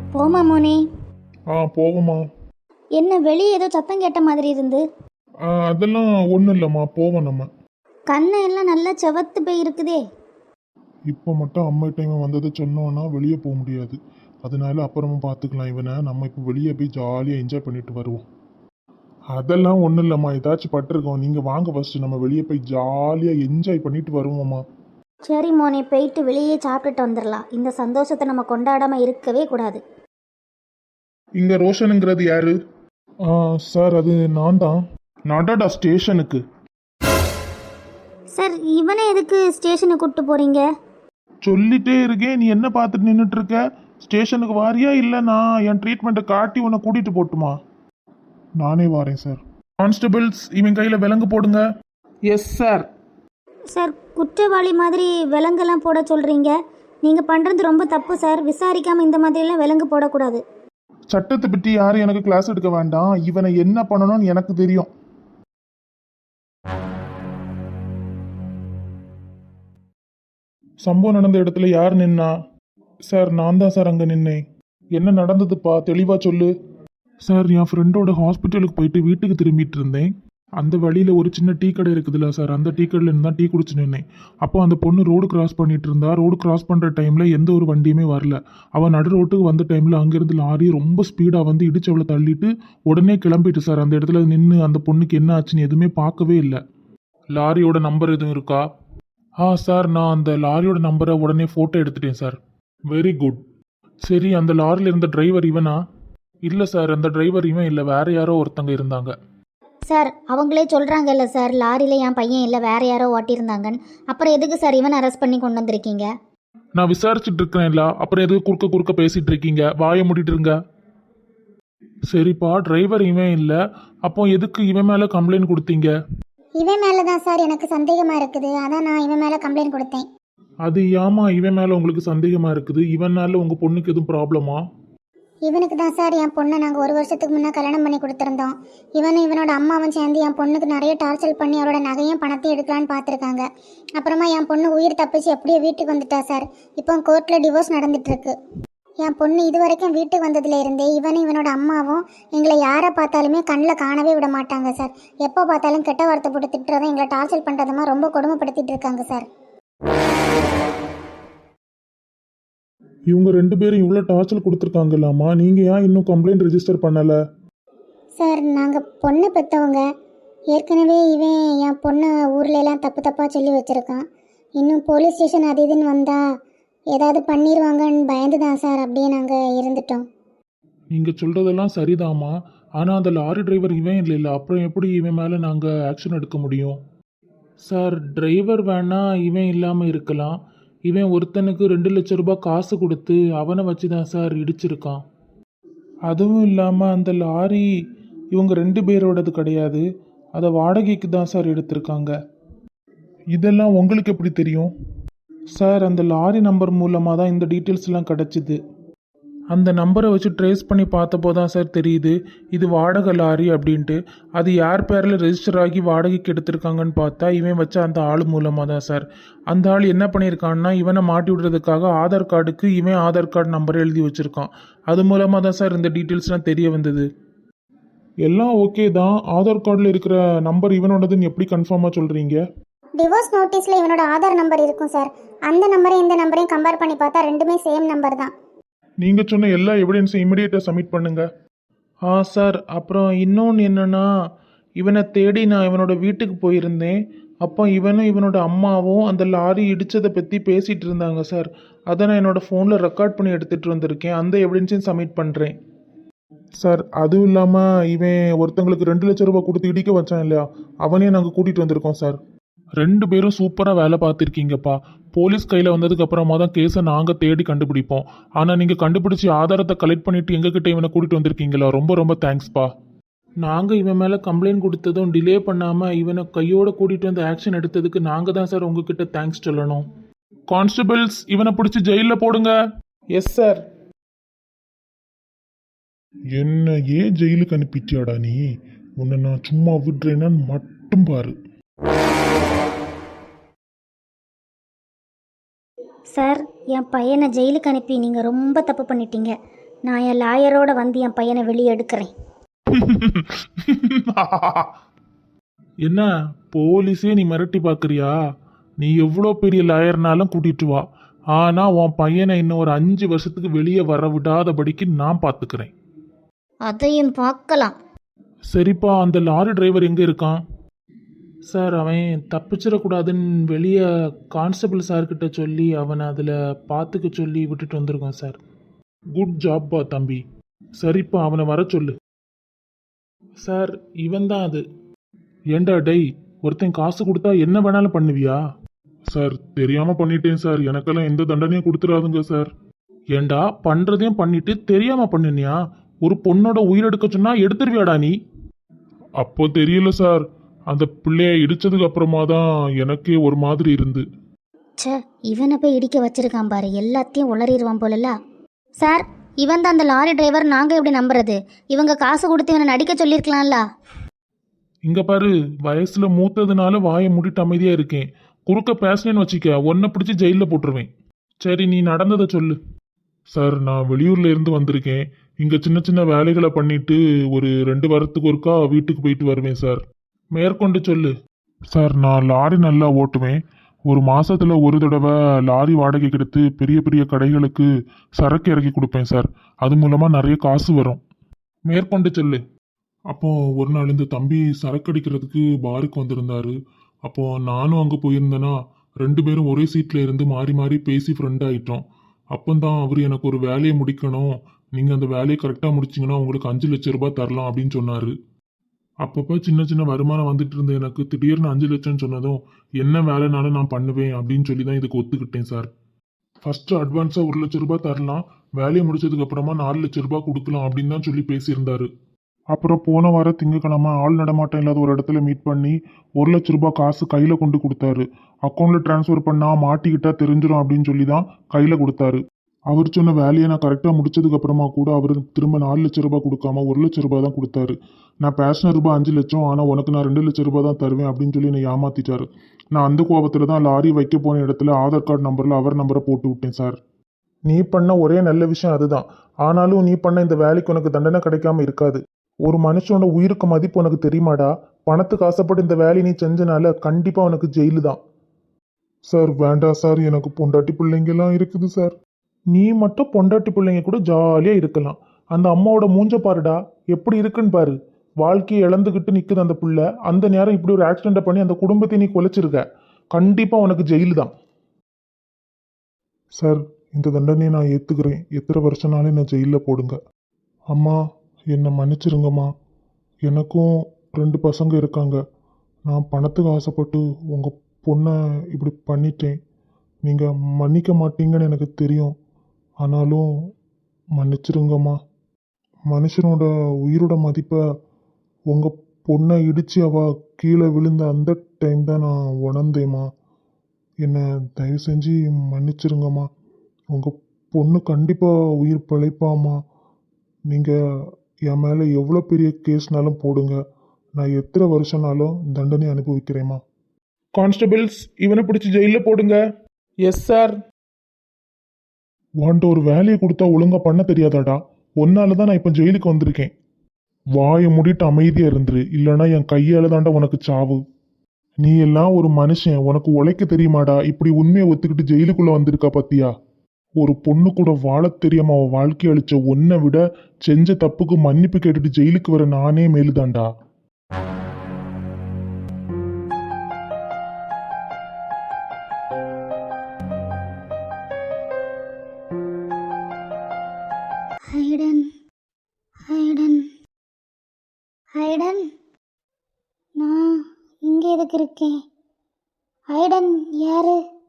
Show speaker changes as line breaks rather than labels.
போமா மோனே.
போவோமா.
என்ன வெளியே ஏதோ சத்தம் கேட்ட மாதிரி இருந்து?
அதெல்லாம் ஒன்றும் இல்லைம்மா, போவோம் நம்ம.
கண்ணை எல்லாம் நல்லா செவத்து போய் இருக்குதே.
இப்போ மட்டும் அம்மாட்ட இவன் வந்ததை சொன்னோன்னா வெளியே போக முடியாது. அதனால அப்புறமா பார்த்துக்கலாம் இவனை. நம்ம இப்போ வெளியே போய் ஜாலியாக என்ஜாய் பண்ணிட்டு வருவோம். அதெல்லாம் ஒன்றும் இல்லைம்மா, ஏதாச்சும் பட்டிருக்கோம். நீங்கள் வாங்க ஃபஸ்ட்டு, நம்ம வெளியே போய் ஜாலியாக என்ஜாய் பண்ணிட்டு வருவோம்மா.
சரி மோனே, போயிட்டு வெளியே சாப்பிட்டுட்டு வந்துடலாம். இந்த சந்தோஷத்தை நம்ம கொண்டாடாமல் இருக்கவே கூடாது.
இங்கே ரோஷனுங்கிறது யாரு? சார் அது நான் தான். நடடா ஸ்டேஷனுக்கு.
சார், இவனை எதுக்கு ஸ்டேஷனுக்கு கூப்பிட்டு போகிறீங்க?
சொல்லிட்டே இருக்கேன், நீ என்ன பார்த்துட்டு நின்றுட்டு இருக்க? ஸ்டேஷனுக்கு வாரியா இல்லை நான் என் ட்ரீட்மெண்ட்டை காட்டி உன்னை கூட்டிகிட்டு போட்டுமா? நானே வாரேன் சார். கான்ஸ்டபிள்ஸ், இவன் கையில் விலங்கு போடுங்க. Yes sir.
சார், குற்றவாளி மாதிரி விலங்கெல்லாம் போட சொல்கிறீங்க. நீங்கள் பண்ணுறது ரொம்ப தப்பு சார். விசாரிக்காமல் இந்த மாதிரிலாம் விலங்கு போடக்கூடாது.
சட்டத்தை பற்றி யாரும் எனக்கு கிளாஸ் எடுக்க வேண்டாம். இவனை என்ன பண்ணணும்னு எனக்கு தெரியும். சம்பவம் நடந்த இடத்துல யார் நின்னா? சார், நான் தான் சார் அங்கே நின்னேன். என்ன நடந்ததுப்பா, தெளிவாக சொல்லு. சார், என் ஃப்ரெண்டோட ஹாஸ்பிட்டலுக்கு போயிட்டு வீட்டுக்கு திரும்பிட்டு இருந்தேன். அந்த வழியில் ஒரு சின்ன டீ கடை இருக்குதுல்ல சார், அந்த டீ கடையில் இருந்து தான் டீ குடிச்சு நின்னேன். அப்போ அந்த பொண்ணு ரோடு கிராஸ் பண்ணிட்டு இருந்தா. ரோடு கிராஸ் பண்ணுற டைமில் எந்த ஒரு வண்டியுமே வரல. அவன் நடு ரோட்டுக்கு வந்த டைமில் அங்கேருந்து லாரி ரொம்ப ஸ்பீடாக வந்து இடிச்சவளை தள்ளிட்டு உடனே கிளம்பிட்டு சார். அந்த இடத்துல நின்று அந்த பொண்ணுக்கு என்ன ஆச்சுன்னு எதுவுமே பார்க்கவே இல்லை. லாரியோட நம்பர் எதுவும் இருக்கா? சார், நான் அந்த லாரியோட நம்பரை உடனே ஃபோட்டோ எடுத்துட்டேன் சார். Very good. சரி, அந்த லாரியில் இருந்த டிரைவர் இவனா? இல்லை சார், அந்த டிரைவர் இவன் இல்லை, வேற யாரோ ஒருத்தங்க இருந்தாங்க.
சார், அவங்களே சொல்கிறாங்கல்ல சார், லாரியில் என் பையன் இல்லை வேற யாரோ ஓட்டியிருந்தாங்கன்னு. அப்புறம் எதுக்கு சார் இவனை அரெஸ்ட் பண்ணி கொண்டு வந்திருக்கீங்க?
நான் விசாரிச்சுட்டு இருக்கிறேன்ல, அப்புறம் எதுக்கு குறுக்க குறுக்க பேசிட்டு இருக்கீங்க? வாயை மூடிட்டு இருங்க. சரிப்பா, டிரைவர் இவன் இல்லை, அப்போ எதுக்கு இவன் மேலே கம்ப்ளைண்ட் கொடுத்தீங்க?
இவன் மேலே தான் சார் எனக்கு சந்தேகமாக இருக்குது. அதான் நான் இவன் மேலே கம்ப்ளைண்ட் கொடுத்தேன்.
அது ஏமா இவன் மேலே உங்களுக்கு சந்தேகமாக இருக்குது? இவனால உங்கள் பொண்ணுக்கு எதுவும் ப்ராப்ளமா?
இவனுக்கு தான் சார் என் பொண்ணை நாங்கள் 1 வருஷத்துக்கு முன்னே கல்யாணம் பண்ணி கொடுத்துருந்தோம். இவனோட அம்மாவும் சேர்ந்து என் பொண்ணுக்கு நிறைய டார்ச்சர் பண்ணி அவரோட நகையும் பணத்தையும் எடுக்கலான்னு பார்த்துருக்காங்க. அப்புறமா என் பொண்ணு உயிர் தப்பிச்சு எப்படியோ வீட்டுக்கு வந்துட்டா சார். இப்போ கோர்ட்டில் டிவோர்ஸ் நடந்துட்டுருக்கு. என் பொண்ணு இது வரைக்கும் வீட்டுக்கு வந்ததுல இருந்தே இவனோட அம்மாவும் எங்களை யாரை பார்த்தாலுமே கண்ணில் காணவே விட மாட்டாங்க சார். எப்போ பார்த்தாலும் கெட்ட வார்த்தை போட்டு திட்டுறதும் எங்களை டார்ச்சர் பண்ணுறதுமா ரொம்ப கொடுமைப்படுத்திட்டு இருக்காங்க சார்.
இவங்க 2 பேரும் இவ்வளோ டார்ச்சர் கொடுத்துருக்காங்கல்லாமா, நீங்கள் ஏன் இன்னும் கம்ப்ளைண்ட் ரெஜிஸ்டர் பண்ணலை?
சார், நாங்கள் பொண்ணை பெற்றவங்க. ஏற்கனவே இவன் என் பொண்ணை ஊர்லெலாம் தப்பு தப்பாக சொல்லி வச்சுருக்கான். இன்னும் போலீஸ் ஸ்டேஷன் அது இதுன்னு வந்தால் ஏதாவது பண்ணிடுவாங்கன்னு பயந்து தான் சார் அப்படியே நாங்கள் இருந்துட்டோம்.
நீங்கள் சொல்கிறதெல்லாம் சரிதாம்மா, ஆனால் அந்த லாரி டிரைவர் இவன் இல்லை, அப்புறம் எப்படி இவன் மேலே நாங்கள் ஆக்ஷன் எடுக்க முடியும்? சார், டிரைவர் வேணா இவன் இல்லாமல் இருக்கலாம். இவன் ஒருத்தனுக்கு 2 லட்ச ரூபாய் காசு கொடுத்து அவனை வச்சு தான் சார் இடிச்சிருக்கான். அதுவும் இல்லாமல் அந்த லாரி இவங்க 2 பேரோடது கிடையாது, அதை வாடகைக்கு தான் சார் எடுத்திருக்காங்க. இதெல்லாம் உங்களுக்கு எப்படி தெரியும்? சார், அந்த லாரி நம்பர் மூலமாக தான் இந்த டீட்டெயில்ஸ்லாம் கிடச்சிது. அந்த நம்பரை வச்சு ட்ரேஸ் பண்ணி பார்த்தப்போ தான் சார் தெரியுது இது வாடகை லாரி அப்படின்ட்டு. அது யார் பேரில் ரெஜிஸ்டர் ஆகி வாடகைக்கு எடுத்திருக்காங்கன்னு பார்த்தா இவன் வச்ச அந்த ஆள் மூலமாக தான் சார். அந்த ஆள் என்ன பண்ணியிருக்கான்னா, இவனை மாட்டி விடுறதுக்காக ஆதார் கார்டுக்கு இவன் ஆதார் கார்டு நம்பரை எழுதி வச்சுருக்கான். அது மூலமாக தான் சார் இந்த டீட்டெயில்ஸ்லாம் தெரிய வந்தது. எல்லாம் ஓகே தான், ஆதார் கார்டில் இருக்கிற நம்பர் இவனோடதுன்னு எப்படி கன்ஃபார்மாக சொல்கிறீங்க?
டிவோர்ஸ் நோட்டீஸில் இவனோட ஆதார் நம்பர் இருக்கும் சார். அந்த நம்பரையும் இந்த நம்பரையும் கம்பேர் பண்ணி பார்த்தா ரெண்டுமே சேம் நம்பர் தான்.
நீங்கள் சொன்ன எல்லா எவிடன்ஸும் இமிடியேட்டாக சப்மிட் பண்ணுங்க. சார், அப்புறம் இன்னொன்று என்னென்னா, இவனை தேடி நான் இவனோட வீட்டுக்கு போயிருந்தேன். அப்போ இவனும் இவனோட அம்மாவும் அந்த லாரி இடித்ததை பற்றி பேசிகிட்டு இருந்தாங்க சார். அதை நான் என்னோடய ஃபோனில் ரெக்கார்ட் பண்ணி எடுத்துகிட்டு வந்திருக்கேன். அந்த எவிடன்ஸையும் சப்மிட் பண்ணுறேன். சார், அதுவும் இல்லாமல் இவன் ஒருத்தங்களுக்கு 2 லட்ச ரூபாய் கொடுத்து இடிக்க வச்சான் இல்லையா, அவனையும் நாங்கள் கூட்டிகிட்டு வந்திருக்கோம் சார். 2 பேரும் சூப்பராக வேலை பார்த்துருக்கீங்கப்பா. போலீஸ் கையில் வந்ததுக்கு அப்புறமா தான் கேஸை நாங்கள் தேடி கண்டுபிடிப்போம். ஆனால் நீங்கள் கண்டுபிடிச்சி ஆதாரத்தை கலெக்ட் பண்ணிவிட்டு எங்ககிட்ட இவனை கூட்டிகிட்டு வந்திருக்கீங்களா, ரொம்ப ரொம்ப தேங்க்ஸ்ப்பா. நாங்கள் இவன் மேலே கம்ப்ளைண்ட் கொடுத்ததும் டிலே பண்ணாமல் இவனை கையோடு கூட்டிகிட்டு வந்து ஆக்ஷன் எடுத்ததுக்கு நாங்கள் தான் சார் உங்ககிட்ட தேங்க்ஸ் சொல்லணும். கான்ஸ்டபிள்ஸ், இவனை பிடிச்சி ஜெயிலில் போடுங்க. Yes sir. என்ன ஏன் ஜெயிலுக்கு அனுப்பிட்டியாடா நீ? உன்னை நான் சும்மா விடுறேன்னு மட்டும் பாரு.
சார், என் பையனை ஜெயிலுக்கு அனுப்பி நீங்கள் ரொம்ப தப்பு பண்ணிட்டீங்க. நான் என் லாயரோட வந்து என் பையனை வெளியே எடுக்கிறேன்.
என்ன போலீஸே நீ மிரட்டி பார்க்குறியா? நீ எவ்வளோ பெரிய லாயர்னாலும் கூட்டிட்டு வா, ஆனால் உன் பையனை இன்னும் ஒரு 5 வருஷத்துக்கு வெளியே வர விடாதபடிக்கு நான் பார்த்துக்கிறேன்.
அதையும் பார்க்கலாம்.
சரிப்பா, அந்த லாரி டிரைவர் எங்கே இருக்கான்? சார், அவன் தப்பிச்சிடக்கூடாதுன்னு வெளியே கான்ஸ்டபிள் சார்கிட்ட சொல்லி அவனை அதில் பார்த்துக்க சொல்லி விட்டுட்டு வந்திருக்கோம் சார். குட் ஜாப்பா தம்பி. சரிப்பா, அவனை வர சொல்லு. சார், இவன் தான் அது. ஏண்டா டேய், ஒருத்தன் காசு கொடுத்தா என்ன வேணாலும் பண்ணுவியா? சார், தெரியாம பண்ணிட்டேன் சார், எனக்கெல்லாம் எந்த தண்டனையும் கொடுத்துடாதுங்க சார். ஏண்டா, பண்றதையும் பண்ணிட்டு தெரியாம பண்ணினியா? ஒரு பொண்ணோட உயிரெடுக்க சொன்னா எடுத்துருவியாடா நீ? அப்போ தெரியல சார், அந்த பிள்ளைய இடிச்சதுக்கு அப்புறமா தான் எனக்கே ஒரு மாதிரி இருந்து.
ச்சே, இவனை போய் இடிக்க வச்சிருக்கான் பாரு, எல்லாத்தையும் உளறிடுவான் போலல. சார், இவன் தான் அந்த லாரி டிரைவர். நாங்கள் எப்படி நம்புறது? இவங்க காசு கொடுத்து இவனை நடிக்க சொல்லியிருக்கலாம்ல.
இங்க பாரு, வயசுல மூத்ததுனால வாயை மூடிட்டு அமைதியா இருக்கேன். குறுக்க பேசினேன்னு வச்சுக்க, உன்னை பிடிச்சி ஜெயிலில் போட்டுருவேன். சரி, நீ நடந்ததை சொல்லு. சார், நான் வெளியூர்ல இருந்து வந்திருக்கேன். இங்க சின்ன சின்ன வேலைகளை பண்ணிட்டு ஒரு 2 வாரத்துக்கு ஒருக்கா வீட்டுக்கு போயிட்டு வருவேன் சார். மேற்கொண்டு சொல்லு. சார், நான் லாரி நல்லா ஓட்டுவேன். ஒரு மாசத்துல ஒரு தடவை லாரி வாடகைக்கு எடுத்து பெரிய பெரிய கடைகளுக்கு சரக்கு இறக்கி கொடுப்பேன் சார். அது மூலமா நிறைய காசு வரும். மேற்கொண்டு சொல்லு. அப்போ ஒரு நாள் இந்த தம்பி சரக்கு அடிக்கிறதுக்கு பாருக்கு வந்திருந்தாரு. அப்போ நானும் அங்கே போயிருந்தேன்னா 2 பேரும் ஒரே சீட்டில் இருந்து மாறி மாறி பேசி ஃப்ரெண்ட் ஆகிட்டோம். அப்போதான் அவர் எனக்கு ஒரு வேலையை முடிக்கணும், நீங்கள் அந்த வேலையை கரெக்டாக முடிச்சிங்கன்னா உங்களுக்கு 5 லட்சம் ரூபாய் தரலாம் அப்படின்னு சொன்னார். அப்பப்போ சின்ன சின்ன வருமானம் வந்துட்டு இருந்த எனக்கு திடீர்னு 5 லட்சம் சொன்னதும் என்ன வேலைனாலும் நான் பண்ணுவேன் அப்படின்னு சொல்லி தான் இதுக்கு ஒத்துக்கிட்டேன் சார். ஃபர்ஸ்ட் அட்வான்ஸாக 1 லட்சம் ரூபாய் தரலாம், வேலையை முடிச்சதுக்கு அப்புறமா 4 லட்சம் ரூபாய் கொடுக்கலாம் அப்படின்னு தான் சொல்லி பேசியிருந்தாரு. அப்புறம் போன வாரம் திங்கக்கிழமை ஆள் நடமாட்டம் இல்லாத ஒரு இடத்துல மீட் பண்ணி 1 லட்சம் ரூபாய் காசு கையில் கொண்டு கொடுத்தாரு. அக்கௌண்ட்டில் ட்ரான்ஸ்ஃபர் பண்ணால் மாட்டிக்கிட்டா தெரிஞ்சிடும் அப்படின்னு சொல்லி தான் கையில் கொடுத்தாரு. அவர் சொன்ன வேலையை நான் கரெக்டாக முடிச்சதுக்கு அப்புறமா கூட அவர் திரும்ப 4 லட்சம் ரூபாய் கொடுக்காம 1 லட்சம் ரூபாய் தான் கொடுத்தாரு. நான் பேசின ரூபாய் 5 லட்சம், ஆனால் உனக்கு நான் 2 லட்சம் ரூபாய் தான் தருவேன் அப்படின்னு சொல்லி என்னை ஏமாத்திட்டாரு. நான் அந்த கோபத்தில் தான் லாரி வைக்க போன இடத்துல ஆதார் கார்டு நம்பரில் அவர் நம்பரை போட்டு விட்டேன் சார். நீ பண்ண ஒரே நல்ல விஷயம் அதுதான். ஆனாலும் நீ பண்ண இந்த வேலைக்கு உனக்கு தண்டனை கிடைக்காம இருக்காது. ஒரு மனுஷனோட உயிருக்கு மதிப்பு உனக்கு தெரியுமாடா? பணத்துக்கு ஆசைப்பட்டு இந்த வேலையை நீ செஞ்சனால கண்டிப்பாக உனக்கு ஜெயிலு தான். சார், வேண்டாம் சார், எனக்கு பொண்டாட்டி பிள்ளைங்கெல்லாம் இருக்குது சார். நீ மட்டும் பொண்டாட்டி பிள்ளைங்க கூட ஜாலியாக இருக்கலாம். அந்த அம்மாவோட மூஞ்ச பாருடா, எப்படி இருக்குன்னு பாரு. வாழ்க்கையை இழந்துக்கிட்டு நிற்குது அந்த புள்ள. அந்த நேரம் இப்படி ஒரு ஆக்சிடென்ட்டை பண்ணி அந்த குடும்பத்தை நீ குலைச்சிருக்க. கண்டிப்பாக உனக்கு ஜெயிலு தான். சார், இந்த தண்டனையை நான் ஏற்றுக்கிறேன். எத்தனை வருஷம்னாலும் என்னை ஜெயிலில் போடுங்க. அம்மா, என்னை மன்னிச்சிருங்கம்மா. எனக்கும் 2 பசங்க இருக்காங்க. நான் பணத்துக்கு ஆசைப்பட்டு உங்கள் பொண்ணை இப்படி பண்ணிட்டேன். நீங்கள் மன்னிக்க மாட்டீங்கன்னு எனக்கு தெரியும். ஆனாலும் மன்னிச்சிருங்கம்மா. மனுஷனோட உயிரோட மதிப்பை உங்கள் பொண்ணை இடித்து அவள் கீழே விழுந்த அந்த டைம் தான் நான் உணர்ந்தேம்மா. என்னை தயவு செஞ்சு மன்னிச்சிருங்கம்மா. உங்கள் பொண்ணு கண்டிப்பாக உயிர் பிழைப்பாம்மா. நீங்கள் என் மேலே எவ்வளோ பெரிய கேஸ்னாலும் போடுங்க, நான் எத்தனை வருஷம்னாலும் தண்டனை அனுபவிக்கிறேம்மா. கான்ஸ்டபிள்ஸ், இவனை பிடிச்சி ஜெயிலில் போடுங்க. Yes sir. வாண்ட ஒரு வேலையை கொடுத்தா ஒழுங்காக பண்ண தெரியாதாடா? ஒன்னால தான் நான் இப்போ ஜெயிலுக்கு வந்திருக்கேன். வாயை மூடிட்டு அமைதியாக இருந்துரு, இல்லைன்னா என் கையால் தாண்டா உனக்கு சாவு. நீ எல்லாம் ஒரு மனுஷன், உனக்கு உழைக்க தெரியுமாடா? இப்படி உண்மையை ஒத்துக்கிட்டு ஜெயிலுக்குள்ளே வந்திருக்கா பத்தியா? ஒரு பொண்ணு கூட வாழ தெரியாம அவன் வாழ்க்கை அழிச்ச உன்னை விட செஞ்ச தப்புக்கு மன்னிப்பு கேட்டுட்டு ஜெயிலுக்கு வர நானே மேலுதான்டா.
ஹைடன், ஹைடன், ஹைடன், நான் இங்கே எதுக்கு இருக்கேன்? ஹைடன் யாரு?